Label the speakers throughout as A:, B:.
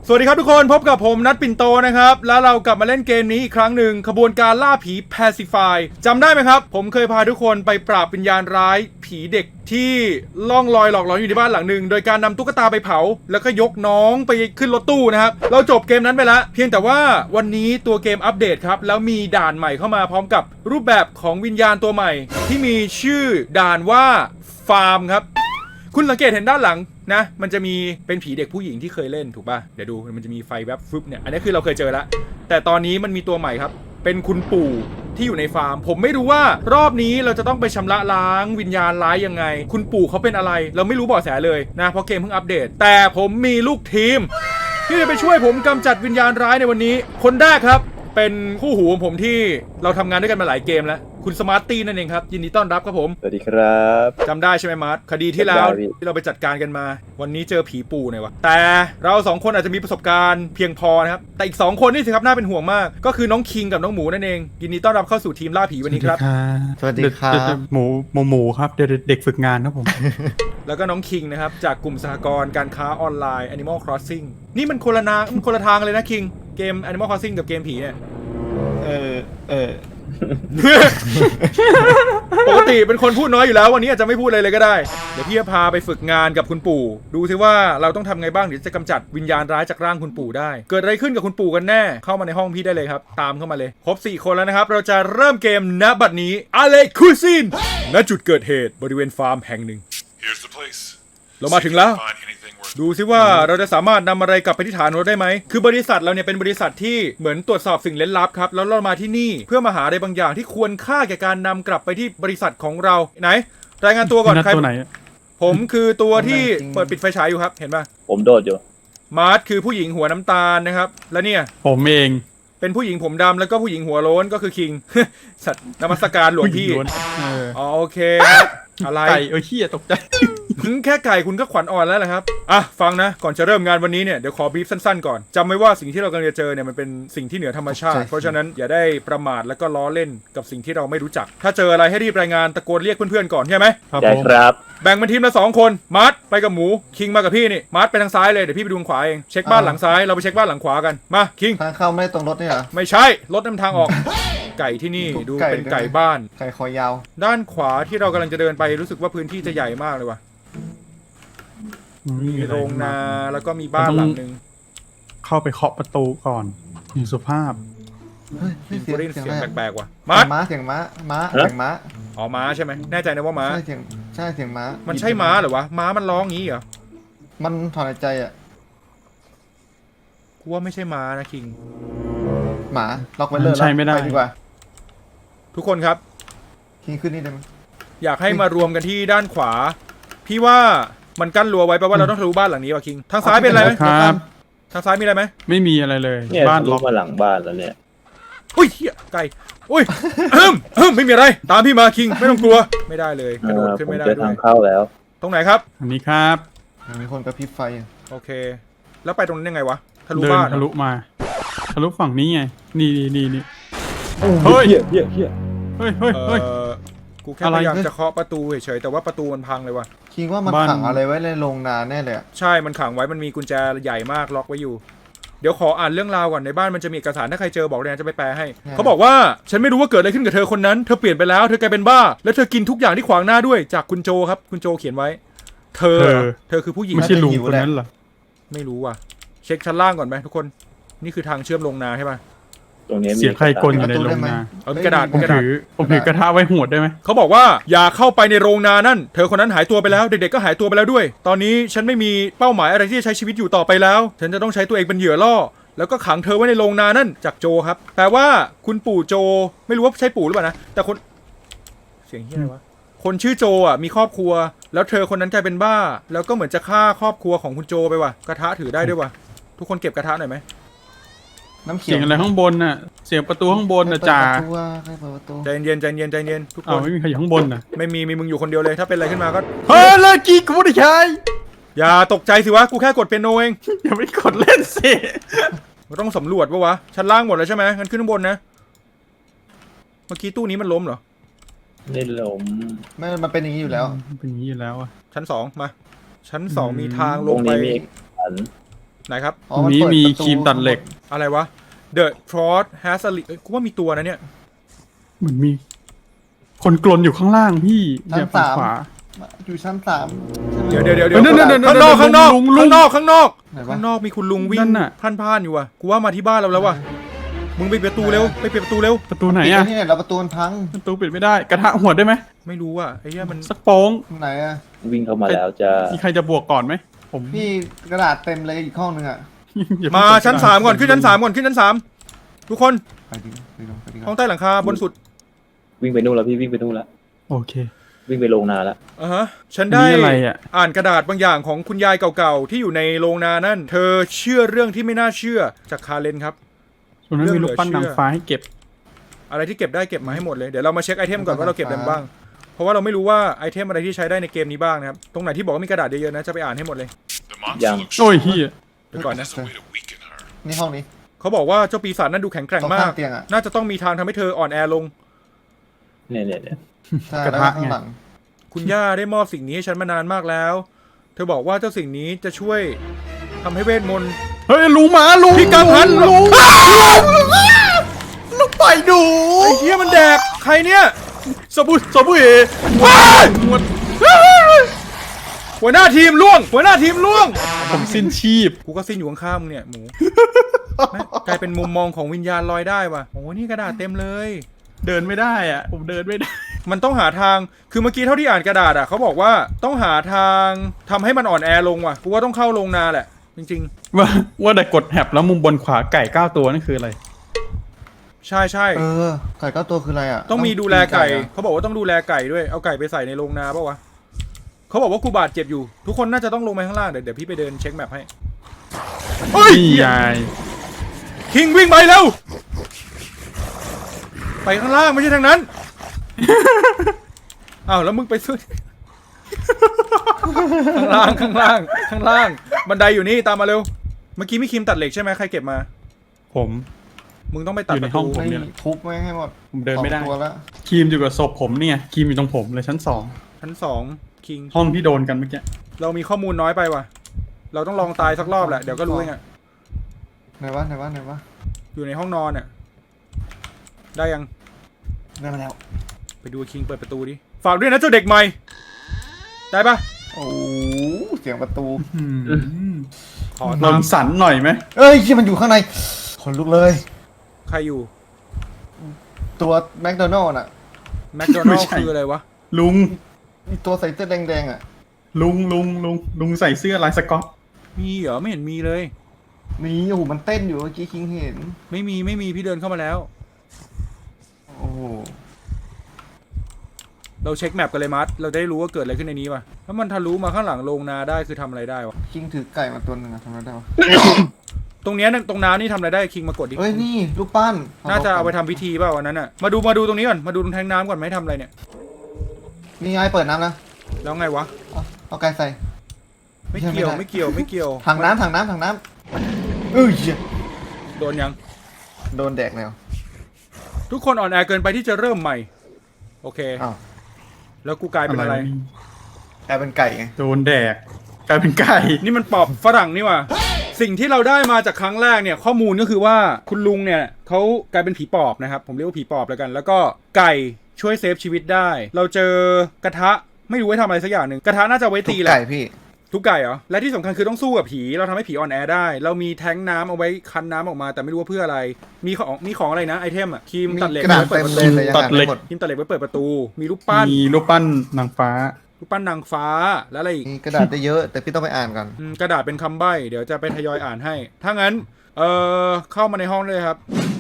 A: สวัสดีครับทุกคนพบกับผมนัทปิ่นโตนะครับแล้วเรากลับมาเล่นเกมนี้อีกครั้งหนึ่งขบวนการล่าผี Pacify จำได้ไหมครับผมเคยพาทุกคนไปปราบวิญญาณร้ายผีเด็กที่ล่องลอยหลอกหลอนอยู่ในบ้านหลังหนึ่งโดยการนำตุ๊กตาไปเผาแล้วก็ยกน้องไปขึ้นรถตู้นะครับเราจบเกมนั้นไปแล้วเพียงแต่ว่าวันนี้ตัวเกมอัปเดตครับแล้วมีด่านใหม่เข้ามาพร้อมกับรูปแบบของวิญญาณตัวใหม่ที่มีชื่อด่านว่าฟาร์มครับคุณสังเกตเห็นด้านหลังนะมันจะมีเป็นผีเด็กผู้หญิงที่เคยเล่นถูกป่ะเดี๋ยวดูมันจะมีไฟแวบฟึบเนี่ยอันนี้คือเราเคยเจอแล้วแต่ตอนนี้มันมีตัวใหม่ครับเป็นคุณปู่ที่อยู่ในฟาร์มผมไม่รู้ว่ารอบนี้เราจะต้องไปชำระล้างวิญญาณร้ายยังไงคุณปู่เขาเป็นอะไรเราไม่รู้เบาะแสเลยนะเพราะเกมเพิ่งอัปเดตแต่ผมมีลูกทีมที่จะไปช่วยผมกำจัดวิญญาณร้ายในวันนี้คนแรกครับเป็นคู่หูของผมที่เราทำงานด้วยกันมาหลายเกมแล้วคุณสมาร์ตตี้นั่นเองครับยินดีต้อนรับครับผม
B: สวัสดีครับ
A: จำได้ใช่ไหมมาร์ทคดีที่แล้วที่เราไปจัดการกันมาวันนี้เจอผีปู่หน่อยวะแต่เราสองคนอาจจะมีประสบการณ์เพียงพอนะครับแต่อีก2คนนี่สิครับน่าเป็นห่วงมากก็คือน้องคิงกับน้องหมูนั่นเองยินดีต้อนรับเข้าสู่ทีมล่าผีวันนี้ครับ
C: สวัสดีครับหมูครับเด็กฝึกงานครับผม
A: แล้วก็น้องคิงนะครับจากกลุ่มสหกรณ์การค้าออนไลน์ Animal Crossing นี่มันคนละทางเลยนะคิงเกม Animal Crossing กับเกมผีเนี่ยปกติเป็นคนพูดน้อยอยู่แล้ววันนี้อาจจะไม่พูดอะไรเลยก็ได้เดี๋ยวพี่จะพาไปฝึกงานกับคุณปู่ดูซิว่าเราต้องทำไงบ้างถึงจะกำจัดวิญญาณร้ายจากร่างคุณปู่ได้เกิดอะไรขึ้นกับคุณปู่กันแน่เข้ามาในห้องพี่ได้เลยครับตามเข้ามาเลยครบ4คนแล้วนะครับเราจะเริ่มเกมณบัดนี้อาเลคูซินณจุดเกิดเหตุบริเวณฟาร์มแห่งหนึ่งเรามาถึงแล้วดูซิว่าเราจะสามารถนำอะไรกลับไปที่ฐานเราได้ไหมคือบริษัทเราเนี่ยเป็นบริษัทที่เหมือนตรวจสอบสิ่งลึกลับครับแล้วเรามาที่นี่เพื่อมาหาอะไรบางอย่างที่ควรค่าแก่การนำกลับไปที่บริษัทของเราไหนรายงานตัวก่อนใครตัวไหนผมคือตัวที่เปิดปิดไฟฉายอยู่ครับเห็นป่ะ
B: ผมโดดอยู่
A: มาร์ทคือผู้หญิงหัวน้ำตาลนะครับแล้วเนี่ย
C: ผมเอง
A: เป็นผู้หญิงผมดำแล้วก็ผู้หญิงหัวโล้นก็คือคิง สัตว์นมัสการหลวงพี่อ๋อโอเคครับอะไร
C: ไก่เหี้ยตกใจ
A: แค่ไก่คุณก็ขวัญอ่อนแล้วแหละครับอ่ะฟังนะก่อนจะเริ่มงานวันนี้เนี่ยเดี๋ยวขอบีฟสั้นๆก่อนจำไว้ว่าสิ่งที่เรากำลังจะเจอเนี่ยมันเป็นสิ่งที่เหนือธรรมชาติเพราะฉะนั้นอย่าได้ประมาทแล้วก็ล้อเล่นกับสิ่งที่เราไม่รู้จักถ้าเจออะไรให้รีบรายงานตะโกนเรียกเพื่อนๆก่อนใช่ไหม
B: ได้ครับ
A: แบ่งเป็นทีมละ2คนมาร์ทไปกับหมูคิงมากับพี่นี่มาร์ทไปทางซ้ายเลยเดี๋ยวพี่ไปดูทางขวาเองเช็คบ้านหลังซ้ายเราไปเช็คบ้านหลังขวากันมาคิง
D: ทางเข้าไม่ตรงรถนี่เหรอ
A: ไม่ใช่รถนำทางออก ไก่ที่นี่ดูเป็นไก่บ้าน
D: ไก่คอยาว
A: ด้านขวาที่เรากำลังจะเดินไปรู้สึกว่าพื้นที่จะใหญ่มากเลยว่ะมีโรงนาแล้วก็มีบ้านหลังนึง
C: เข้าไปเคาะประตูก่อนอย่างสุภาพ
A: เสียงแปลกๆว่ะ
D: ม้าเสียงม้า
A: อ๋อม้าใช่ไหมแน่ใจนะว่าม้า
D: ใช่เสียงม้า
A: มันใช่ม้าเหรอวะม้ามันร้องงี้เหรอ
D: มันถอนหายใจอ่ะ
A: กูว่าไม่ใช่ม้านะคิง
D: หมาล็อกไว้เลย
C: ใช่ไม่ได้
D: ดีกว่า
A: ทุกคนครับ
D: คิงขึ้นนี่ได้ไหม
A: อยากให้มารวมกันที่ด้านขวาพี่ว่ามันกั้นรั้วไว้แปลว่าเราต้องทะลุบ้านหลังนี้ว่ะคิงทางซ้ายเป็นอะไรไหมทางซ้ายมีอะไรไหม
C: ไม่มีอะไรเลย
B: บ้านล็อกมาหลังบ้านแล้วเนี่ย
A: อุ้ยเหี้ยไก่อุ้ยไม่มีอะไรตามพี่มาคิงไม่ต้องกลัวไม่ได้เลยกระโดดขึ้นไม่ได้ด้วย
B: ทางเข้าแล้ว
A: ตรงไหนครับ
C: อันนี้ครับ
D: มีคนกระพริบไฟ
A: โอเคแล้วไปตรงนั้นยังไงวะทะลุบ้าน
C: ทะลุมาทะลุฝั่งนี้ไงนี่
B: เฮ้ย
A: กูแค่พยายามจะเคาะประตูเฉยๆแต่ว่าประตูมันพังเลยว่ะ
D: คิงว่ามันขังอะไรไว้ในโรงนาแน่เลย
A: ใช่มันขังไว้มันมีกุญแจใหญ่มากล็อกไว้อยู่เดี๋ยวขออ่านเรื่องราวก่อนในบ้านมันจะมีเอกสารถ้าใครเจอบอกเลยนะจะไปแปลให้เขาบอกว่าฉันไม่รู้ว่าเกิดอะไรขึ้นกับเธอคนนั้นเธอเปลี่ยนไปแล้วเธอกลายเป็นบ้าแล้วเธอกินทุกอย่างที่ขวางหน้าด้วยจากคุณโจครับคุณโจเขียนไว้เธอคือผู้หญิง
C: ไม่ใช่ลุงคนนั้นเหรอ
A: ไม่รู้ว่ะเช็คชั้นล่างก่อนไหมทุกคนนี่คือทางเชื่อมลงนาใช่ป่ะ
B: ตรงนี้
C: เสียงใครกลอยู่ในโรงนา
A: กระดาษ
C: ผมถือกระทะไว้หวดได้ไหม
A: เขาบอกว่าอย่าเข้าไปในโรงนานั่นเธอคนนั้นหายตัวไปแล้วเด็กๆก็หายตัวไปแล้วด้วยตอนนี้ฉันไม่มีเป้าหมายอะไรที่จะใช้ชีวิตอยู่ต่อไปแล้วฉันจะต้องใช้ตัวเองเป็นเหยื่อล่อแล้วก็ขังเธอไว้ในโรงนานั่นจากโจครับแปลว่าคุณปู่โจไม่รู้ว่าใช่ปู่หรือเปล่านะแต่คนเสียงเฮียอะไรวะคนชื่อโจอ่ะมีครอบครัวแล้วเธอคนนั้นกลายเป็นบ้าแล้วก็เหมือนจะฆ่าครอบครัวของคุณโจไปว่ะกระทะถือได้ด้วยว่ะทุกคนเก็บกระทะหน่อยไหม
C: เสียงอะไรข้างบนน่ะเสียงประตูข้างบนน่ะจ่า
A: ใจเย็นทุกคน
C: ไม่มีใครอยู่ข้างบนน่ะ
A: ไม่มีมึงอยู่คนเดียวเลยถ้าเป็นอะไรขึ้นมาก็
C: เฮ้ยเลิกกี้กูไม่ได้ใช้
A: อย่าตกใจสิวะกูแค่กดเปียโนเอง
C: อย่าไปกดเล่นสิ
A: เราต้องสำรวจปะวะชั้นล่างหมดแล้วใช่ไหมงั้นขึ้นข้างบนนะเมื่อกี้ตู้นี้มันล้มเหรอ
B: ไม่ล้ม
D: ไม่มันเป็นอย่างนี้อยู่แล้ว
C: เป็นอย่างนี้อยู่แล้วอ่ะ
A: ชั้น2มาชั้น2มีทางลงไปไหนครับ
D: อ๋อมัน
C: นี้
D: เปิด
C: มี
D: ประ
C: ครีมตัดเหล็ก
A: อะไรวะ The Frost has a กูว่ามีตัวนะเนี่ย
C: เหมือนมี คนกลนอยู่ข้างล่างพี่เนี่ยฝั่งขวา
D: อยู่ชั้น3
A: เดี๋ยว
C: นั่น
A: ข้างนอกข้างนอก
C: ลุง
A: ข้างนอกข้างนอก
D: ไหนวะ
A: ข้างนอกมีคุณลุงวิ่
C: นั่
A: ง
C: นน่ะ
A: พล่านๆอยู่ว่ะกูว่ามาที่บ้านเราแล้วว่ะมึงไปปิดประตูเร็วไปปิดประตูเร็ว
C: ประตูไหน
D: ปิด
C: อะ
D: ที่ไหนเราประตูมันพัง
C: ประตูปิดไม่ได้ กระทะหัวได้ไหม
A: ไม่รู้อ่ะไอ้เหี้ยมัน
C: สักโป้ง
D: ไหนอะ
B: วิ่งเข้ามาแล้วจะ
C: มีใครจะบวกก่อนไหมผม
D: พี่กระดาษเต็มเลยอีกห้องนึงอะ
C: อย่
A: มา
C: เพิ่ง
A: ชั้น 3ก่อนขึ้นชั้น3ก่อนขึ้นชั้น3ทุกคน
D: ไปดิไปลงไปดิ
A: ห้องใต้หลังคาบนสุด
B: วิ่งไปนู่นแล้วพี่วิ่งไปนู่นแล้ว
C: โอเค
B: วิ่งไปโรงนาแล้ว
A: ฮะฉันได้
C: นี่อะไรอะ
A: อ่านกระดาษบางอย่างของคุณยายเก่าๆที่อยู่ในโรงนานั่นเธอเชื่อเรื่องที่ไม่น่าเชื่อจากคาเลนครับ
C: ส่วนนั้นมีลูกปั้นนางฟ้าให้เก็บ
A: อะไรที่เก็บได้เก็บมาให้หมดเลยเดี๋ยวเรามาเช็คไอเทมก่อนว่าเราเก็บอะไรมาบ้างเพราะว่าเราไม่รู้ว่าไอเทมอะไรที่ใช้ได้ในเกมนี้บ้างนะครับตรงไหนที่บอกว่ามีกระดาษเยอะๆนะจะไปอ่านให้หมดเลย
B: ยัง
C: โอ้ยเฮีย
A: เดี๋ยวก่อนนะ
D: นี่ห้องนี้
A: เขาบอกว่าเจ้าปีศาจนั่นดูแข็งแกร่งมาก
D: ตรงข้างเตียงอะ
A: น่าจะต้องมีทางทำให้เธออ่อนแอลง
B: เนี่ย
D: ใช่แล้วก็ข้างหลัง
A: คุณย่าได้มอบสิ่งนี้ให้ฉันมานานมากแล้ว เธอบอกว่าเจ้าสิ่งนี้จะช่วยทำให้เวทมนต์
C: เฮ้ยลุงหมาลุง
A: พี่กังหัน
C: ลุงลุงไปดู
A: ไอ้เหี้ยมันแดกใครเนี่ย
C: สบู่เอ
A: ว้าย
C: หมด
A: หัวหน้าทีมล่วง หัวหน้าทีมล่วง
C: ผมสิ้นชีพ
A: กูก็สิ้นอยู่ข้างๆมึงเนี่ยหมู แม่งกลายเป็นมุมมองของวิญญาณลอยได้ว่ะโอ้นี่กระดาษเต็มเลย
C: เดินไม่ได้อ่ะ ผมเดินไม่ได้
A: มันต้องหาทาง คือเมื่อกี้เท่าที่อ่านกระดาษอ่ะเขาบอกว่าต้องหาทางทำให้มันอ่อนแอลงว่ะ กูว่าต้องเข้าโรงนาแหละ จริง
C: ว่าแต่กดแฮบแล้วมุมบนขวาไก่9ตัวนั่นคืออะไร
A: ๆ ใช่ใช่
D: ไก่9 ตัวคืออะไรอะ
A: ต้องมีดูแลไก่
D: อะ
A: เขาบอกว่าต้องดูแลไก่ด้วย เอาไก่ไปใส่ในโรงนาป่าวะเขาบอกว่ากูบาดเจ็บอยู่ ทุกคนน่าจะต้องลงไปข้างล่าง เดี๋ยวพี่ไปเดินเช็คแมพให้ เฮ้ย
C: นี่ยาย
A: คิงวิ่งไปเร็ว ไปข้างล่างไม่ใช่ทางนั้น อ้าวแล้วมึงไปสุด ข้างล่างข้างล่างข้างล่าง บันไดอยู่นี่ตามมาเร็ว เมื่อกี้มีครีมตัดเหล็กใช่ไหมใครเก็บมา
C: ผม
A: มึงต้องไปตัด
C: อยู่
A: ป
C: ใน
A: ระ
C: ห้
A: ตู
C: องผม
D: ไม่ทุบไม่ให้หมด
C: ผมเดินไม่ได้
D: 2 ตัวแล้ว
C: ครีมอยู่กับศพผมเนี่ยครีมอยู่ตรงผมเลยชั้น
A: ชั้น2คิง
C: 2ห้องที่โดนกันเมื่อกี้
A: เรามีข้อมูลน้อยไปว่ะ เราต้องลองตายสักรอบแหละ เดี๋ยวก็รู้เองอะ
D: ไหนวะ
A: อยู่ในห้องนอนอะได้ยัง
D: ได้มาแล้ว
A: ไปดูคิงเปิดประตูดิ ฝากด้วยนะเจ้าเด็กใหม่ ได้ปะ
D: โอ้เสียงประตู
A: ขอ
C: ล
A: ตาม
C: มสันหน่อยไหม
D: เอ้ยที่มันอยู่ข้างในขนลุกเลย
A: ใครอยู่
D: ตัวแมคโดนัลล์น่ะ
A: แมคโดนัลล์คืออะไรวะ
C: ลุง
D: มีตัวใส่เสื้อแดงๆอะ
C: ลุงใส่เสื้อลายสก๊อต
A: มีเหรอไม่เห็นมีเลย
D: มีโอ้โหมันเต้นอยู่เมื่อกี้คิงเห็น
A: ไม่มีพี่เดินเข้ามาแล้ว
D: โอ้โห
A: เราเช็คแมปกันเลยมัดเราจะได้รู้ว่าเกิดอะไรขึ้นในนี้ป่ะถ้ามันทะลุมาข้างหลังโรงนาได้คือทำอะไรได้วะ
D: คิงถือไก่มาตัวหนึ่งอะทำอะไรได้วะ
A: ตรงเนี้ยตรงน้ำนี่ทำอะไรได้คิงมากดดิ
D: เอ้ยนี่ลูกปั้น
A: น่าจะเอาไปทำพิธีเปล่าวันนั้นอ่ะมาดูตรงนี้ก่อนมาดูตรงแทงน้ำก่อนไม่ทำอะไรเนี่ย
D: นี่ไงเปิดน้ำนะ
A: แล้วไงวะ
D: เอาไก่ใส่
A: ไม่เกี่ยว
D: ไม่ได้
A: ไม่เกี่ยว
D: ถังน้ำเอ้ยเหี้ย
A: โดนยัง
D: โดนแดกแล้ว
A: ทุกคนอ่อนแอเกินไปที่จะเริ่มใหม่โอเค
D: อ้าว
A: แล้วกูกลายเป็นอะไร
D: กลายเป็นไก่ไง
C: โดนแดกกลายเป็นไก่
A: นี่มันปอบฝรั่งนี่ว่ะสิ่งที่เราได้มาจากครั้งแรกเนี่ยข้อมูลก็คือว่าคุณลุงเนี่ยเขากลายเป็นผีปอบนะครับผมเรียกว่าผีปอบแล้วกัน แล้วก็ไก่ช่วยเซฟชีวิตได้ เราเจอกระทะไม่รู้ไว้ทำอะไรสักอย่างหนึ่งกระทะน่าจะไว้ตีแหละ
D: ไก่พี่
A: ทุกไก่เหรอและที่สำคัญคือต้องสู้กับผีเราทำให้ผีอ่อนแอได้ เรามีแท้งน้ำเอาไว้คั้นน้ำออกมาแต่ไม่รู้ว่าเพื่ออะไรมีของอะไรนะไอเทมอะครีมตัดเหล็ก
D: กระดาษ
A: ไว้เปิ
D: เต็
A: ด
D: ม
A: ประ
D: เล
A: ตู
D: ยเลยยังอ่านไม่หมด
A: ครีมตัดเหล็กไว้เปิดประตู มีรูปปั้น
C: มีรูปปั้นนางฟ้า
A: รูปปั้นนางฟ้าแล้วอะไรอีก
D: มีกระดาษได้เยอะ แต่พี่ต้องไปอ่านก่อน
A: กระดาษเป็นคำใบ้เดี๋ยวจะไปทยอยอ่านให้ ถ้างั้นเข้ามาในห้องเลยครับ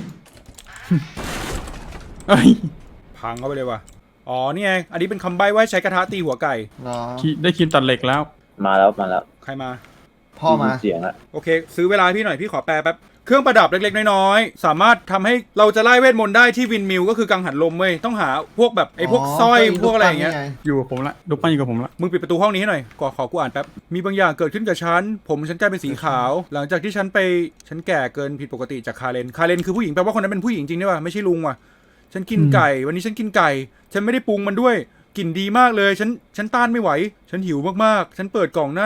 C: เอ้ย
A: พังเข้าไปเลยว่ะอ๋อนี่ไงอันนี้เป็นคำใบ้ว่าให้ใช้กระทะตีหัวไก่
D: เนาะ
C: ได้ครีมตัดเหล็กแล้ว
B: มาแล้ว
A: ใครมา
D: พ่อมา
B: เสียงละ
A: โอเค ซื้อเวลาให้พี่หน่อยพี่ขอแปลแป๊บเครื่องประดับเล็กๆน้อยๆสามารถทำให้เราจะไล่เวทมนต์ได้ที่วินมิลก็คือกังหันลมเว้ยต้องหาพวกแบบไอ้พวกสร้อยพวกอะไรอย่างเงี้ย
C: อยู่กับผมละรูปปั้นอยู่กับผมละ
A: มึงปิดประตูห้องนี้ให้หน่อยขอกูอ่านแป๊บมีบางอย่างเกิดขึ้นกับฉันผมฉันกลายเป็นสีขาว หลังจากที่ฉันแก่เกินผิดปกติจากคาเรนคือผู้หญิงแปลว่าคนนั้นเป็นผู้หญิงจริงด้วยว่ะไม่ใช่ลุงว่ะฉันกินไก่วันนี้ฉันกินไก่ฉันไม่ได้ปรุงมันด้วยกลิ่นดีมากเลยฉันต้านไม่ไหวฉันหิวมากๆฉันเปิดกล่องนั่น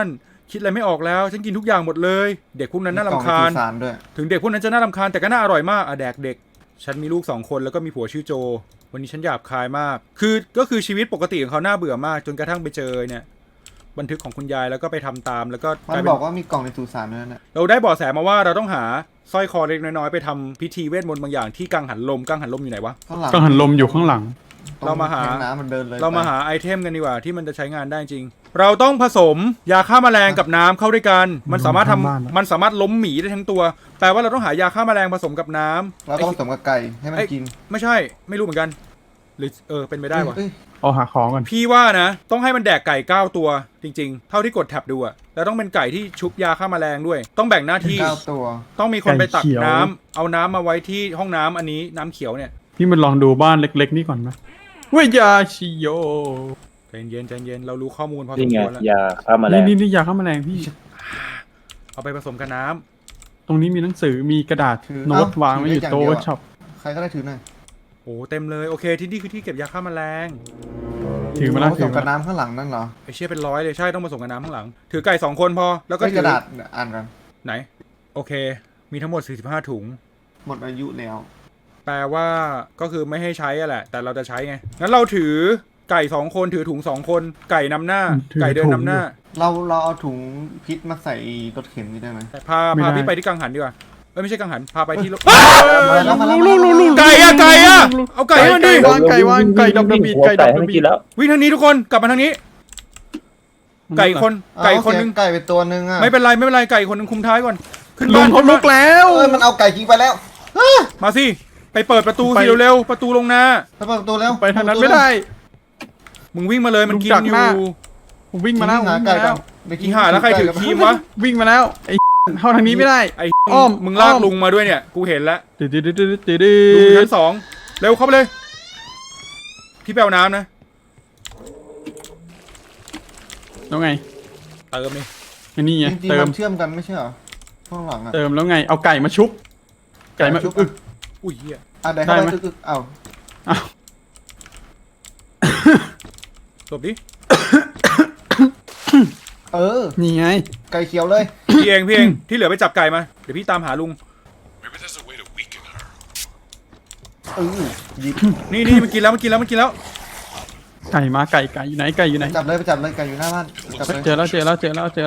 A: คิดอะไรไม่ออกแล้วฉันกินทุกอย่างหมดเลย เด็กพวกนั้นน่ารำคาญ
D: มีกล่องในสุสานด้วย
A: ถึงเด็กพวกนั้นจะน่ารำคาญแต่ก็น่าอร่อยมากแดกเด็กฉันมีลูก2 คนแล้วก็มีผัวชื่อโจวันนี้ฉันหยาบคายมากก็คือชีวิตปกติของเขาน่าเบื่อมากจนกระทั่งไปเจอเนี่ยบันทึกของคุณยายแล้วก็ไปทำตามแล้วก็
D: มันบอกว่ามีกล่องในสุสานด้วยนะ
A: เราได้เบาะแสมาว่าเราต้องหาสร้อยคอเล็กน้อยๆไปทำพิธีเวทมนต์บางอย่างที่กังหันลมอยู่ไหนวะ
D: ข้างหลัง
C: ก็หันลมอยู่ข้างหลัง
A: เรามาหา
D: ตงแทงน้ำมันเดินเลย
A: เรามาหาไอเทมกันดีกว่าที่มันจะใช้งานได้จริง เราต้องผสมยาฆ่าแมลงกับน้ำเข้าด้วยกันมันสามารถทำ
C: บ้านๆ
A: มันสามารถล้มหมีได้ทั้งตัวแปลว่าเราต้องหายาฆ่าแมลงผสมกับน้ำ
D: แล้วก็ผสมกับไก่ให้มันกิน
A: ไม่ใช่ไม่รู้เหมือนกันหรือเป็นไปได้วะ
D: เอ้ย
C: เอาหาของก่อน
A: พี่ว่านะต้องให้มันแดกไก่9 ตัวจริงๆ เท่าที่กดแท็บดูอะแล้วต้องเป็นไก่ที่ชุบยาฆ่าแมลงด้วย ต้องแบ่งหน้าที่
D: 9 ตัว
A: ต้องมีคนไปตักน้ำเอาน้ำมาไว้ที่ห้องน้ำอันนี้น้ำเขียวเนี่ย
C: พี่มันลองดูบ้านเล็กๆนี่ก่อนไหมเวยาชิโย
A: ใจเย็นเรารู้ข้อมูลพอส
B: นี่
A: ม
B: ไง
A: ควรแล้ว
B: ยาฆ่าแมลง
C: นี่ยาฆ่าแมลงพี่
A: เอาไปผสมกับน้ำ
C: ตรงนี้มีหนังสือมีกระดาษโน้ตวางไว้อยู่โต๊ะเวิร์กช็อป
D: ใครก็ได้ถือหน่อย
A: โอ้เต็มเลยโอเคที่นี่คือที่เก็บยาฆ่าแมลง
C: ถือมาแล้ว
D: ผสมกับน้ำข้างหลังนั่นเหรอ
A: ไอเชี่ยเป็น100เลยใช่ต้องผสมกับน้ำข้างหลัง ถือไก่2 คนพอแล้วก็
D: ก็
A: ถื
D: กระดาษอ่านกัน
A: ไหนโอเค มีทั้งหมด45 ถุง
D: หมดอายุแล้ว
A: แปลว่าก็คือไม่ให้ใช้อะแหละแต่เราจะใช้ไงงั้นเราถือไก่2 คนถือถุง2 คนไก่นำหน้า ไก่เดินนำหน้า
D: เราเอาถุงพิษมาใส่รถเข็นนี่ได้ไหม
A: พาพี่ไปที่กังหันดีกว่าไม่ใช่กังหันพาไปที่
D: มาแล้ว
A: ไก่อะเอาไก่ให้มันดิ
C: ไก่วางไก่ดอกกระบีดไก่ดอกกระบีด
B: แล้ว
A: วิ่งทางนี้ทุกคนกลับมาทางนี้ ไก่คนนึง
D: ไก่ไปตัวนึงอ่ะ
A: ไม่เป็นไรไก่คนนึงคุมท้ายก่อนขึ้น
C: ลุ
A: บ้าง น
C: เขาลุกแล้ว
D: มันเอาไก่ทิ้งไปแล้ว
A: มาสิไปเปิดประตูสิเร็วๆประตูลงนา
D: ไปเปิดประตูแล้ว
C: ไปทางนั้นไม่ได้
A: มึงวิ่งมาเลยมันกินอยู่
C: ผมวิ่งมาแล้ว
D: หาไก่ก่อน
A: อีห่าแล้วใครถือครีมวะ
C: วิ่งมาแล้วไอ้เข้าทางนี้ไม่ได้
A: ไอ้
C: อ้อม
A: มึงลากลุงมาด้วยเนี่ยกูเห็นแล้ว
C: ดืด
A: ลุงอยู่ชั้น2เร็วเข้าไปเลยพี่แปลน้ำนะ
C: แล้วไง
A: เติมนี่
C: อันนี้ไง
D: จริงๆ
C: เติ
D: มั
C: ม
D: นเชื่อมกันไม่ใช่เหรอข้างหลังอ่ะ
C: เติมแล้วไงเอาไก่มาชุบไก่มา
D: ชุบ
A: อุ้ยเหี้ย
D: ได้เข้า
C: ได้
D: ไป
C: ไหม
D: อึกๆเอา
A: หลบดิ
C: นี่ไง
D: ไก่เขียวเลย
A: พี่เองที่เหลือไปจับไก่มาเดี๋ยวพี่ตามหาลุง
E: Maybe there's a way to weaken her.
D: ยิบ
A: นี่มันกินแล้ว
C: ไก่มาไก่อยู่ไหนไก่อยู่ไหน
D: จับเลยไปจับเลยไก่อยู่หน้าบ้านจับเลย
C: เจอแล้ว
E: Keep it up.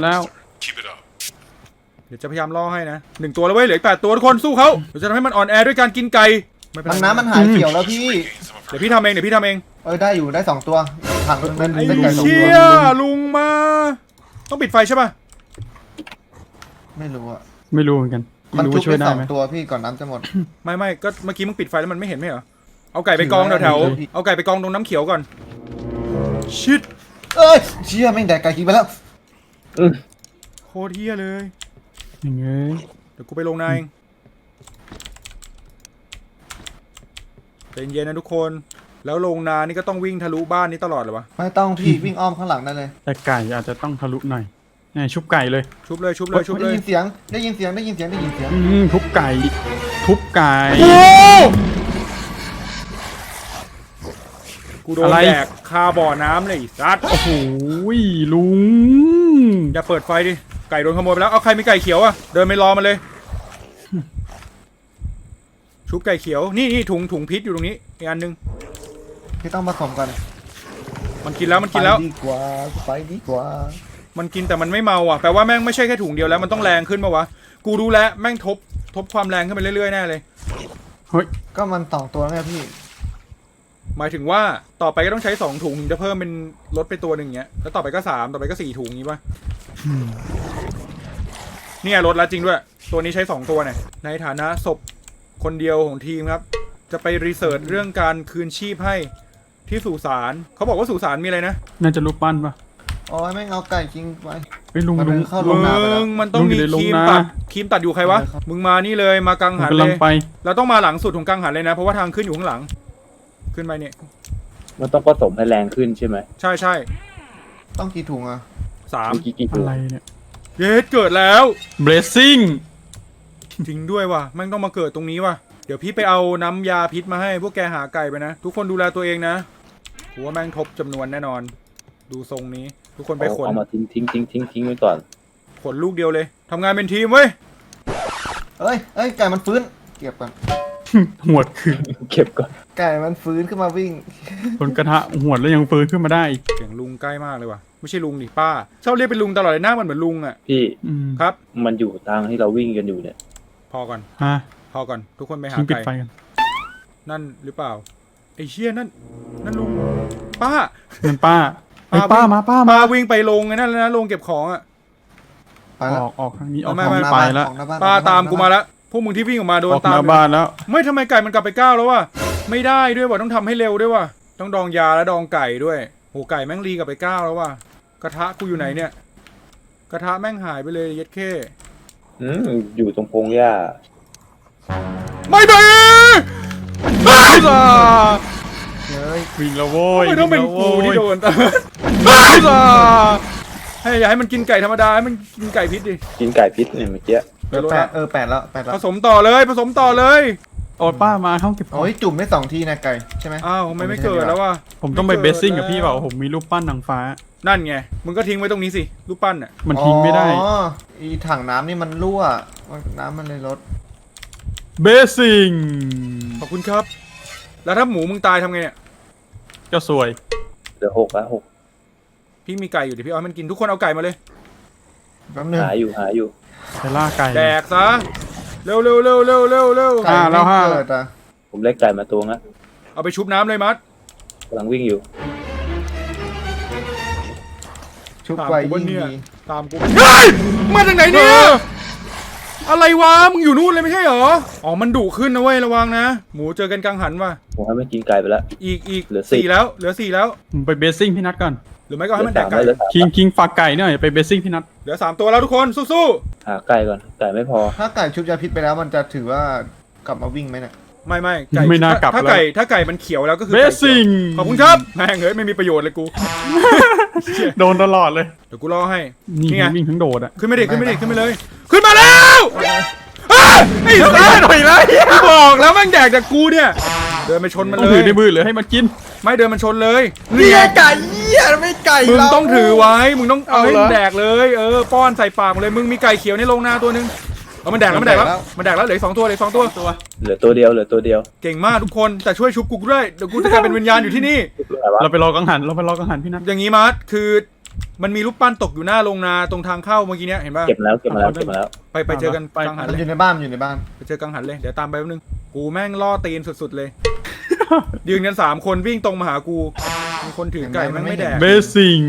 A: เดี๋ยวจะพยายามล่อให้นะ1 ตัวแล้วเว้ยเหลืออีก8 ตัวทุกคนสู้เขาเดี๋ยวจะทำให้มันอ่อนแอด้วยการกินไก่ไม่เป็น
D: มัน
A: ไร
D: น้ำมันหายเขียวแล้วพี่
E: Gain some of
A: เดี๋
E: her
A: ยวพี่ทำเอง
D: ได้อยู่ได้2 ตัวถังนึงเป็น
A: ไอ้
D: ไก่2 ตัว
A: เชี่ยลุงมาต้องปิดไฟใช่ป่ะ
D: ไม่รู้อ่ะ
C: ไม่รู้เหมือนกัน
D: มัน
C: ไม่รู้
D: จุ
C: ว่า
D: บ
C: ช่วย
D: ได้
C: ได้ไหม
D: 2 ตัวพี่ก่อนน้ำจะหมด
A: ไม่ก็เมื่อกี้มึงปิดไฟแล้วมันไม่เห็นไหมเหรอเอาไก่ไปกองแถว
D: ไม่รู้
A: ๆเอาไก่ไปกองตรงน้ำเขียวก่อนชิด
D: เอ้ยเชี่ยแม่งแดกไก่กินไปแล้ว
A: โคตรเฮียเลย
C: อย่างเงี้ย
A: เดี๋ยวกูไปลงนายเองใจเย็นๆนะทุกคนแล้วลงนานี่ก็ต้องวิ่งทะลุบ้านนี้ตลอดเหรอวะ
D: ไม่ต้องพี่วิ่งอ้อมข้างหลังได้เลย
C: แต่ไก่อาจจะต้องทะลุหน่อยนี่ชุบไก่เลย
A: ชุบเลย
D: ได้ยินเสียงได้ยินเสียง
C: ทุบไก่ทุบไก่
A: กูโดน
C: อะไร
A: แดกคาบ่อน้ำเลยไอ้สัตว์
C: โอ้โหลุง
A: อย่าเปิดไฟดิ ไก่โดนขโมยไปแล้ว เอาใครมีไก่เขียวอะเดินไปรอมันเลย ชุบไก่เขียว นี่ถุงพิษอยู่ตรงนี้ อีกอันนึง
D: พี่ต้องผสมกัน
A: มันกินแล้ว
D: ไปดีกว่า
A: มันกินแต่มันไม่เมาอ่ะ แปลว่าแม่งไม่ใช่แค่ถุงเดียวแล้ว มันต้องแรงขึ้นปะวะ กูรู้แล้วแม่งทบความแรงขึ้นไปเรื่อยๆแน่เลย
C: เฮ้ย
D: ก็มัน2 ตัวไงพี่
A: หมายถึงว่าต่อไปก็ต้องใช้2 ถุงถึงจะเพิ่มเป็นลดไปตัวหนึ่งเงี้ย แล้วต่อไปก็3ต่อไปก็4 ถุงงี้ป่ะเนี่ยลดแล้วจริงด้วย ตัวนี้ใช้2 ตัวเนี่ย ในฐานะศพคนเดียวของทีมครับ จะไปรีเสิร์ชเรื่องการคืนชีพให้ที่สุสานเขาบอกว่าสุสานมีอะไรนะ
C: น่าจะรูปปั้นปะ
D: โอ้ยแม่งเอาไก่กินไป
C: เฮ้ยลุง
D: มัน
C: ลุง
D: เข้าโรงนาไปแล้ว
A: มันต้องมี
C: ลุงอยู่ในโรง
A: ครีม
C: นา
A: ตัดอยู่ใครวะ มึงมานี่เลยมากัง
C: ผม
A: หัน
C: กำ
A: เล
C: ลัง
A: ย
C: ไป
A: เราต้องมาหลังสุดของกังหันเลยนะ เพราะว่าทางขึ้นอยู่ข้างหลัง ขึ้นไปเนี่ย
B: มันต้องผสมให้แรงขึ้นใช่ไหม
A: ใช่
D: ต้องกี่ถุงอ่ะ
A: 3
B: กี่
C: อะไรเนี่ย
A: เยสเกิดแล้ว
C: blessing
A: จริงด้วยว่ะแม่งต้องมาเกิดตรงนี้ว่ะเดี๋ยวพี่ไปเอาน้ำยาพิษมาให้พวกแกหาไก่ไปนะทุกคนดูแลตัวเองนะกูว่าแม่งทบจำนวนแน่นอน ดูทรงนี้ ทุกคนไปขน
B: เอามาทิ้งไว้ก่อน
A: ผลลูกเดียวเลยทำงานเป็นทีมเว้ย
D: เอ้ยไก่มันฟื้นเก็บก่อน
C: หวดคืน
B: เก็บก่อน
D: ไก่มันฟื้นขึ้นมาวิ่ง
C: คนกระทะหวดแล้วยังฟื้นขึ้นมาได้อีก
A: เสียงลุงใกล้มากเลยว่ะไม่ใช่ลุงดิป้าชอบเรียกเป็นลุงตลอดเลยหน้ามันเหมือนลุงอ่ะ
B: พี่
C: อืม
A: ครับ
B: มันอยู่ทางที่เราวิ่งกันอยู่เนี่ย
A: พอก่อน
C: ฮะ
A: พอก่อนทุกคนไปหา
C: ทิ้งปิด
A: ไก่
C: ไฟกัน
A: นั่นหรือเปล่าไอ้เชี่ยนั่นลุงป้า
C: เงินป้าไอ้ยป้ามาป้ามา
A: ป้าวิ่งไปลงไอ้นั่นแล้วนะลงเก็บของอ่ะ
D: ไปแล้ว
C: ออกทางนี้ออก
A: ไม่
C: ทาง
A: ไม่
C: นี้ไปแล้ว
D: ออกหน้บ้น
A: ป้า
D: ออกหน้
A: ตาม
D: บ้น
A: กูมาแล้วพวกมึงที่วิ่งออกมาโด
C: อน อก
A: ตา
C: ห
A: ม
C: น้าบ้านแล้ว
A: ไม่ทำไมไก่มันกลับไปก้าวแล้ววะไม่ได้ด้วยว่ะต้องทำให้เร็วด้วยว่ะต้องดองยาและดองไก่ด้วยโหไก่แม่งรีกลับไปก้าวแล้วว่ะกระทะกูอยู่ไหนเนี่ย กระทะแม่งหายไปเลยเย็ดเข้
B: อยู่ตรงพงหญ้า
A: ไม่ได้บ้า
D: เฮ้ย
C: วิ่งแล้วโว้ย
A: ไม่ต้องเป็นกูที่โดนบ้าให้อย่าให้มันกินไก่ธรรมดาให้มันกินไก่พิษดิ
B: กินไก่พิษเนี่ยเมื่อกี้
D: แปดแล้ว
A: ผสมต่อเลยผสมต่อเลย
C: โอ๊ตป้ามาห้องเก็บของ
D: โอ้ยจุ่มได้2 ทีนะไก่ใช่ไหม
A: อ้าวทำไมไม่เกิดแล้ววะ
C: ผมต้องไปเบสซิ่งกับพี่เปล่าผมมีรูปปั้นนางฟ้า
A: นั่นไงมึงก็ทิ้งไว้ตรงนี้สิรูปปั้นอ่ะ
C: มันทิ้งไม่ได้
D: อ๋ออีถังน้ำนี่มันรั่วน้ำมันเลยลด
C: เบสซิ่ง
A: ขอบคุณครับ แล้วถ้าหมูมึงตายทำไงเนี่ย
C: ก็สวย
B: เหลือ6แล้ว6
A: พี่มีไก่อยู่เดี๋ยวพี่เอาให้มันกินทุกคนเอาไก่มาเลย
D: แป๊บนึง
B: หาอยู่
C: ไปล่าไก่
A: แดกซะเร็ว
D: ไก่
C: แล้ว
D: ไม่
C: ห้า
D: เกิดอ่ะ
B: ผมเล็กไก่มาตัวนะ
A: เอาไปชุบน้ำเลยมัด
B: กำลังวิ่งอยู่
D: ชุบ
A: ตาม
D: ไว้
A: กู
D: ยิ่ง
A: เนี่ย
D: ดี
A: ตามกูเฮ้ยมาจากไหนเนี่ยอะไรวะมึงอยู่นู่นเลยไม่ใช่เหรออ๋อมันดุขึ้นนะเว้ยระวังนะหมูเจอกันกลางหันว่ะ
B: ผมให้มันกินไก่ไปแล้ว
A: อีก
B: เหลือ
A: สี่แล้วเหลือ4แล้ว
C: ผมไปเบสซิ่งพี่นัทก่อน
A: หรือไม่ก็ให้มันแดกไก่
B: เหลือ
C: คิงฝากไก่หน่อยไปเบสซิ่งพี่นัท
A: เหลือ3ตัวแล้วทุกคนสู้
B: หาไก่ก่อนไก่ไม่พอ
D: ถ้าไก่ชุบยาพิษไปแล้วมันจะถือว่ากลับมาวิ่งไหมเนี่ย
A: ๆไม่ไก่
C: ไม่น่ากลับ
A: ถ้า
C: แล้ว
A: ไก่มันเขียวแล้วก็คือ
C: เบ
A: ไก่
C: สซิ่ง
A: ขอบคุณครับแม่งเอ้ยไม่มีประโยชน์เลยกู
C: โดนตลอดเลย
A: เดี๋ยวกูรอให้
C: นี่
A: นี่ไง
C: วิ่งทั้งโดดอะ
A: ขึ้นไม่ได้ขึ้นมาเลย ขึ้นมาแล้วอ้าวไอ้สัสหน่อยเลยบอกแล้วแม่งแดกจากกูเนี่ยเดินไปชนมัน
C: ต้อง
A: เล
C: ถื
A: ย
C: อในมือหรือให้มันกิน
A: ไม่เดินมันชนเลย
D: นี่ไงไก่เหี้ยไม่ไก่
A: มึง
D: เรา
A: ต้องถือไว้มึงต้องเอาให้
C: เอาเหรอ
A: มันแดกเลยป้อนใส่ปากมันเลยมึงมีไก่เขียวในโรงนาตัวนึงเอามันแดกแล้วเหลืออก2 ตัวเหลืออก2 ตัว
B: เหลือตัวเดียว
A: เก่งมากทุกคนแต่ช่วยชุบกูด้วยเดี๋ยวกูจะกลายเป็นวิญญาณอยู่ที่นี่
B: อะไรวะ
C: เราไปรอกังหันพี่นัท
A: อย่างนี้มาร์ทคือมันมีรูปปั้นตกอยู่หน้าโรงนาตรงทางเข้าเมื่อกี้เนี้ยเห็นป่ะ
B: เก็บมาแล้ว
A: ไปเจอกันกลางหัน
D: มัน
A: เลย
D: อยู่ในบ้านมันอยู่ในบ้าน
A: ไปเจอกังหันเลยเดี๋ยวตามไปแป๊บนึงกูแม่งล่อตีนสุดๆเลย ยืนกัน3 คนวิ่งตรงมาหากูมีคนถือไก่แม่งไม่แดก
C: เบสซิ่ง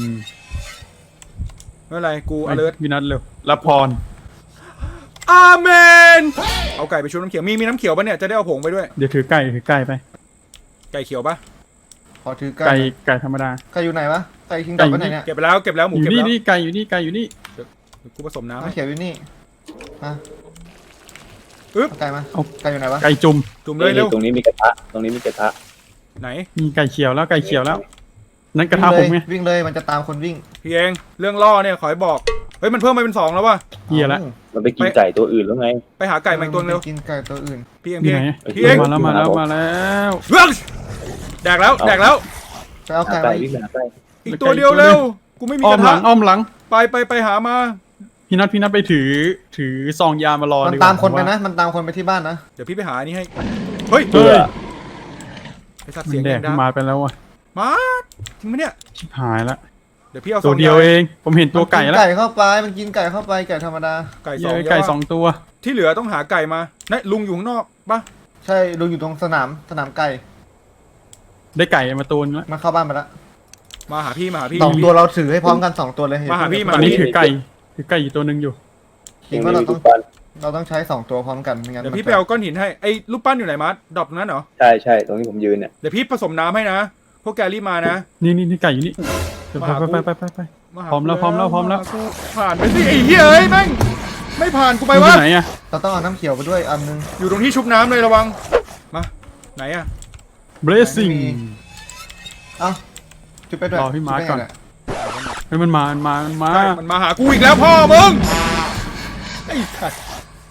A: ไม่เป็นไรกู alert
C: พี่นัทเร็วรับพร
A: อาเมนเอาไก่ไปชุบน้ำเขียวมีน้ำเขียวปะเนี่ยจะได้เอาผงไปด้วย
C: เดี๋ยวถือไก่ไป
A: ไก่เขียวปะ
D: ขอถือ
C: ไก่ธรรมดา
D: ไก่อยู่ไหนวะไก่คิงกลับไปไหนเนี่ย
A: เก็บไปแล้วหมู
C: อยู่
A: เก็บ
C: นี่
A: แล้ว
C: นี่ไก่อยู่นี่ไก่อยู่นี่
A: เดี๋ยวกูผสมน้ำ
D: น้ำ
A: ให้
D: เขียวอยู่นี่ฮะ
A: อึ๊บ
D: เอาไก่มาไก่อยู่ไหนวะ
C: ไก่จุ่ม
A: จุ่มเลยเร็ว
B: ตรงนี้มีกระทะ
A: ไหน
C: มีไก่เขียวแล้วนั่นกระทะผมไง
D: วิ่งเลยมันจะตามคนวิ่ง
A: พี่เองเรื่องล่อเนี่ยขอให้บอกเฮ้ยมันเพิ่มมาเป็น2แล้ววะ
C: เฮียละ
B: มันไปกินไก่ตัวอื่นแล้วไง
A: ไปหาไก่มาอีกตัวนึงเร็ว
D: กินไก่ตัวอื่น
A: พี่เอง
C: นี่
A: พี่เอ
C: ไง
A: งพี่เอง
C: มาแล้ว
A: เฮ้ยแดกแล้ว
D: ไปเอา
B: หา
D: ไก่
B: ไก่
D: มา
B: วิ่งไปหาไก่
A: อีกตัวเดียวเร็วกูไม่มี
C: อ้อก ม
A: ระ
C: หลั
A: ทะ
C: งอ้อมหลัง
A: ไปหามา
C: พี่นัทไปถือซองยามารอ
D: มัน
C: ดีกว่า
D: ตามคนไปนะมันตามคนไปที่บ้านนะ
A: เดี๋ยวพี่ไปหาอันนี้ให้เฮ้ย
C: เฮ้ย
A: ไอสัตว์
C: มั
A: เสียง
C: นแด
A: แด
C: ก
A: งดัง
C: มาไปแล้วว่ะ
A: มาจริงไหมเนี่ย
C: ชิบหายละ
A: เดี๋ยวพี่เอา
C: ตัวเดียวเองผมเห็นตัวไก่
D: มัน
C: แล้ว
D: ไก่เข้าไปมันกินไก่เข้าไปไก่ธรรมดา
A: ไก่
C: เหี้
A: สอง
C: ยไก่
A: เยะ
C: 2 ตัว
A: ที่เหลือต้องหาไก่มาเนี่ยลุงอยู่ข้างนอกปะ
D: ใช่ลุงอยู่ตรงสนามไก่
C: ได้ไก่มาตัวนึงแล้ว
D: มันเข้าบ้านไปแล้ว
A: มาหาพี่
D: 2 ตัวเราถือให้พร้อมกัน2 ตัวเลย
A: มาหาพี่
C: ตอนนี้ถือไก่อยู่ตัวนึงอยู่
D: คิดว่าเรา
B: ทุ
D: ต้อง
B: กวัน
D: เราต้องใช้2 ตัวพร้อมกันไม่งั้น
A: เดี๋ยวพี่ไปเอาก้อนหินให้ไอ้รูปปั้นอยู่ไหนมาร์ทดรอปตรงนั้นเหรอ
B: ใช่ตรงที่ผมยืนเนี่ย
A: เดี๋ยวพี่ผสมน้ำให้นะพวกแกรีบมานะ
C: นี่ไก่อยู่นี่ไป
A: มาหา
C: พร้อมแล้ว
A: กู
C: พร้อมแล้ว
A: กูผ่านไปสิไอ้เหี้ยเอ้ยแม่งไม่ผ่านกูไป
C: ไป
A: วะ
C: ไหนอะ
D: เราต้องเอาน้ำเขียวไปด้วยอันนึง
A: อยู่ตรงที่ชุบน้ำเลยระวังมาไหนอะ
C: เบรซิ่ง
D: เอ้าจุดไปด้วย
C: รอพี่มาร์คก่อน
D: จุดไปไงเย
C: เฮ้ยมันมา
A: ใช่มันมาหากูอีกแล้วพ่อมึงไอ้สัตว์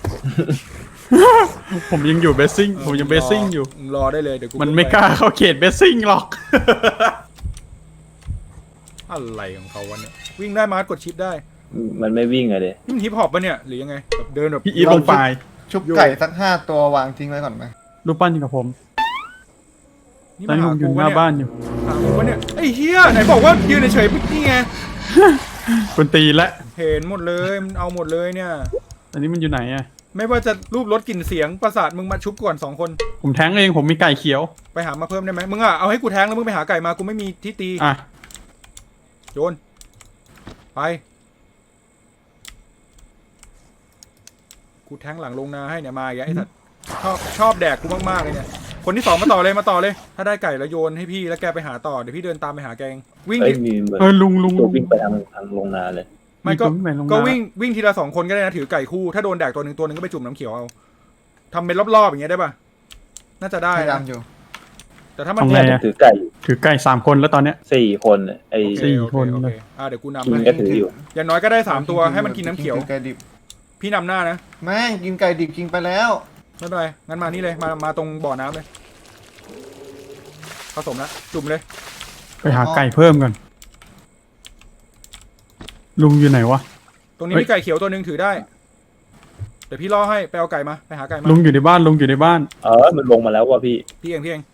C: ผมยังอยู่เบสซิ่งผมยังเบสซิ่งอยู่
A: รอได้เลยเดี๋ยวกู
C: มันไม่กล้าเข้าเขตเบสซิ่งหรอก
A: อะไรของเขาวะเนี่ยวิ่งได้มาร์ทกดชิปได้
B: มันไม่วิ่งอะเดย
A: นี่มันฮิปฮอปปะเนี่ยหรือยังไงแบบเดินแบบ
C: พี่อีฟลงไป
D: ชุบไก่สัก5 ตัววางทิ้งไว้ก่อนไหม
C: รูปปั้นอยู่กับผม
A: นี่
C: ตอน
A: มา
C: นี้
A: หา
C: ผมอ
A: กู
C: ยู่ห
A: ปะ
C: น้า
A: เนี่ย
C: บ้านอยู่
A: หากูปะเนี่ยไอ้เฮียไหนบอกว่ายืนเฉยๆนี่ไง
C: คนตีและ
A: เห็นหมดเลยมันเอาหมดเลยเนี่ย
C: อันนี้มันอยู่ไหนอะ
A: ไม่ว่าจะรูปรถกลิ่นเสียงประสาทมึงมาชุบก่อน2 คน
C: ผมแทงเองผมมีไก่เขียว
A: ไปหามาเพิ่มได้ไหมมึงอ่ะเอาให้กูแทงแล้วมึงไปหาไก่มากูไม่มีที่ตี
C: อ่ะ
A: โยนไปกูแทงหลังลงนาให้เนี่ยมาอีกแล้วไอ้สัตว์ชอบแดกกูมากๆเลยเนี่ยคนที่2มาต่อเลย ถ้าได้ไก่แล้วโยนให้พี่แล้วแกไปหาต่อเดี๋ยวพี่เดินตามไปหาแกเองวิ่ง
B: เอ้ย
A: ดิ
B: มีเหมือน
C: ลุง
B: ตัววิ่งไปทางโรงนาเลย
A: ไม่ก็
C: มีคนวิ่งไปลงนา
A: ก็วิ่งทีละ2 คนก็ได้นะถือไก่คู่ถ้าโดนแดกตัวหนึ่งก็ไปจุ่มน้ำเขียวเอาทำเป็นรอบๆอย่างเงี้ยได้ป่ะน่าจะได้
D: พยายา
A: นะ
D: มอยู่
A: แต่ถ้ามัน
C: ทำไง
B: เนี่ย
C: อะ
B: ถือไก่อยู่
C: ถือไก่3 คนแล้วตอนเนี้ย
B: 4 คนน่ะไอ้
A: โอเค
C: สี่
A: โอเค
C: คน
A: โอ
C: เล
A: เค
C: ย
A: เดี๋ยวกูนำ
B: กิน
A: ให้
B: ก็ถืออยู่
A: อย่างน้อยก็ได้3 ตัวให้มันกินน้ำเขียว
D: กิไก่ดิบ
A: พี่นำหน้านะ
D: แม่งกินไก่ดิบกินไปแล้ว
A: ไม่เป็นไรงั้นมานี่เลยมาตรงบ่อน้ำเลยผสมแล้วจุ่มเลย
C: ไปหาไก่เพิ่มกันลุงอยู่ไหนวะ
A: ตรงนี้
C: เฮ้ย
A: มีไก่เขียวตัวหนึ่งถือได้เดี๋ยวพี่ล่อให้ไปเอาไก่มาไปหาไก่มา
C: ลุงอยู่ในบ้านลุงอยู่ในบ้าน
B: มันลงมาแล้วว่ะพี่
A: พี่เอง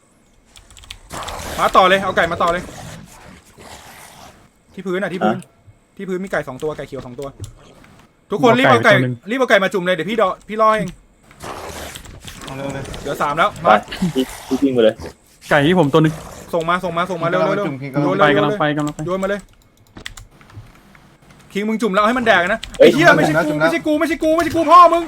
A: มาต่อเลยเอาไก่มาต่อเลย ที่พื้นที่พื้นมีไก่2 ตัวไก่เขียว2 ตัว ทุกคนรีบเอาไก่มาจุ่มเลยเดี๋ยวพี่ล่อเอง
D: เอาเร็วเลย
A: เหลือ3แล้ว
B: ไป
A: มา
B: พี่วิ่งไปเลย
C: ไก่ที่ผมตัวหนึง
A: ส่งมาเร็ว
D: จุ่มกิน
A: โยน
C: ไป
A: เลย
C: กำลังไปกำลังไป
A: โยนมาเลยคิงมึงจุ่มแล้วให้มันแดกนะไอ้เหี้ยไม่ใช่กูพ่อมึง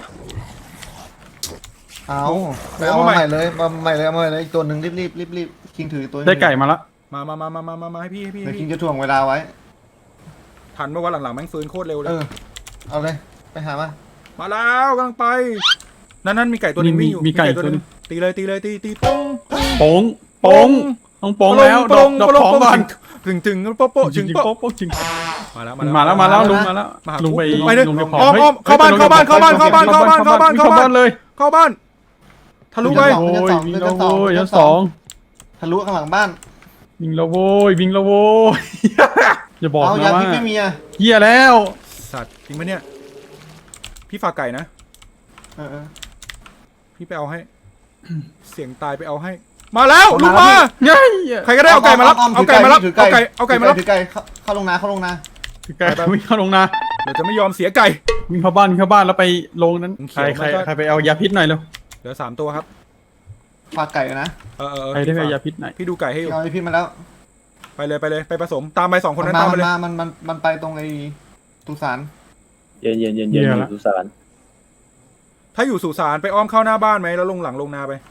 D: เอาไปเอามาใหม่เลยเอามาใหม่เลยอีกตัวหนึ่งรีบคิงถือตัว
C: ได้ไก่มาละ
A: มาให้พี่
D: เดี๋ยวคิงจะถ่วงเวลาไว้
A: ทันเมื่อวันหลังๆแม่งฟื้นโคตรเร็วเล
D: เอย อเอาเลยไปหามา
A: มาแล้วกำลังไปนั่นมีไก่ตัวนึงวิ่งอยู่
C: มีไก่ตัวหนึง
A: ตีเลยตีป้ง
C: โป้งต้องโป้งแล้วดอกของก่อน
A: ถึงโป๊ะจึง
C: จริง
A: โป๊ะ
C: โป๊ะจริง
A: มาแล้ว
C: มาแล้วลุงมาแล้ว
A: มาหา
C: ลุงไป
A: ไปเลย
C: ลุงไป
A: อ้อมเข้าบ้านเข้าบ้าน
C: เลย
A: เข้าบ้านทะลุไป
C: โอ้ยวิ่งแล้วโว้ยชั้นสอง
D: ทะลุข้างหลังบ้าน
C: วิ่งแล้วโว้ยอย่าบอก
D: เอา
C: นะ
D: ยา
C: ว่า
D: พิษไม่มีอ่ะ
C: เฮียแล้ว
A: สัตว์จริงปะเนี่ยพี่ฝากไก่นะ
D: เออ
A: พี่ไปเอาให้ เสียงตายไปเอาให้ มาแล้วลุกมา
C: ไง
A: ใครก็ได้เอาไก่มารับเอาไก่มารับ
D: ถือ
A: เอาไก่มารับ
D: ถือไก่เข้าลงนา
C: คือไก่วิ่งเข้าลงนา
A: เดี๋ยวจะไม่ยอมเสียไก่
C: วิ่งเข้าบ้านแล้วไปลงนั้น
A: เขียว
C: ใครไปเอายาพิษหน่อยเร็ว
A: เหลือ3 ตัวครับ
D: ฝากไก่นะ
C: ใครได้ไปเอายาพิษหน่อย
A: พี่ดูไก่ให้อยู่
D: เอาพิษมาแล้ว
A: ไปเลยไปผสมตามไป2 คนนั้นตามไปเลย
D: มันไปตรงไอ้ตุสาน
B: เย็นอยู่สุสาน
A: ถ้าอยู่สุสานไปอ้อมเข้าหน้าบ้านไหมแล้วลงหลังลงนาไป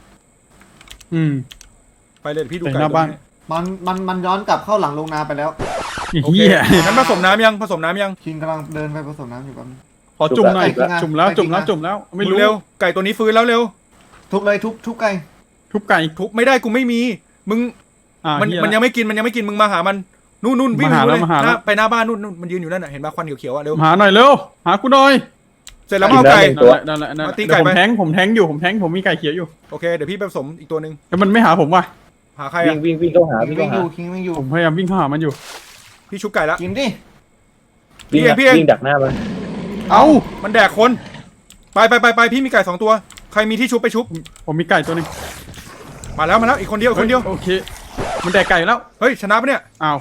A: ไปเลยพี่ดู
C: ไป
A: ไก่
C: หน้าบ้าน
D: มันย้อนกลับเข้าหลังลงนาไปแล้ว
A: โอเค
C: เฮีย
A: งั้นผสมน้ำยัง
D: คิงกำลังเดินไปผสมน้ำอยู่กัน
C: ขอจุ่มหน่อย
D: ไปกินนะ
C: จุ่มแล้ว
D: ไปกินนะ
C: จุ่มแล้วไม่รู้
A: เร็วไก่ตัวนี้ฟื้นแล้วเร็ว
D: ทุบเลยทุบไก่
C: ทุบไก่
A: ทุบไม่ได้กูไม่มีมึงมันยังไม่กินมึงมาหามันนู่นวิ่งอยู่เลยไปหน้าบ้านนู่นมันยืนอยู่นั่นน่ะเห็นป่ะควันเขียวๆอ่ะเร็ว
C: หาหน่อยเร็วหากูหน่อย
A: เสร็จแล้วเอาไก่
C: นั่นแหละ
A: มาตีไก่
C: ผม
A: ไป
C: แทงอยู่ผมมีไก่เขียวอยู่
A: โอเคเดี๋ยวพี่ไปผสมอีกตัวนึง
C: แล้วมันไม่หาผมว่ะ
A: หาใคร
B: วิ่
A: อ่ะ
B: งเข้าหา
D: คิง
B: วิ่ง
D: วิ่
B: เข้าง
D: อ
B: หา
D: ยู่คิงวิ่งอยู่
C: ผมพยายามวิ่งเข้าหามันอยู่
A: พี่ชุบไก่ละ
D: กินดิ
B: วิ่งดักหน้ามัน
C: เอ้า
A: มันแดกคนไปพี่มีไก่2 ตัวใครมีที่ชุบไปชุบ
C: ผมมีไก่ตัวนึง
A: มาแล้วอีกคนเดียว
C: โอเคมันแดกไก่แล้ว
A: เฮ้ยชนะปะเนี่ย
C: อ้าว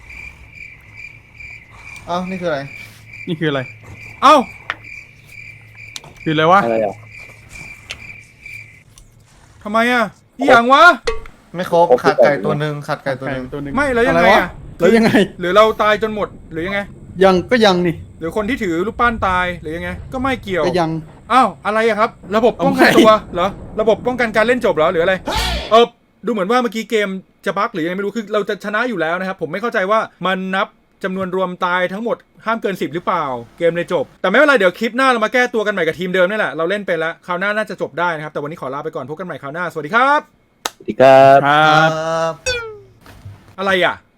D: เอ้านี่คืออะไร
C: นี่คืออะไร
A: เอ้า
C: คืออะไรวะ
B: อะไรอ่ะ
A: ทำไมอ่ะอีหยังวะ
D: ไม่ครบขาดไก่ตัวหนึ่ง
C: ตัวนึง
A: ไม่แล้วยังไงอ่ะ
C: แล้วยังไง
A: หรือเราตายจนหมดหรือยังไง
C: ก็ยังนี่
A: หรือคนที่ถือรูปปั้นตายหรือยังไงก็ไม่เกี่ยว
C: ก็ยัง
A: อ้าวอะไรอะครับ ระบบป้องกันตัวเหรอระบบป้องกันการเล่นจบเหรอหรืออะไรดูเหมือนว่าเมื่อกี้เกมจะบั๊กหรือยังไงไม่รู้คือเราจะชนะอยู่แล้วนะครับผมไม่เข้าใจว่ามันนับจำนวนรวมตายทั้งหมดห้ามเกิน10หรือเปล่าเกมเลยจบแต่ไม่เป็นไรเดี๋ยวคลิปหน้าเรามาแก้ตัวกันใหม่กับทีมเดิมนี่แหละเราเล่นไปแล้วคราวหน้าน่าจะจบได้นะครับแต่วันนี้ขอลาไปก่อนพบกันใหม่คราวหน้าสวัสดีครับ
B: สวัสดีครับ
C: ครับ
A: อะไรอ่ะ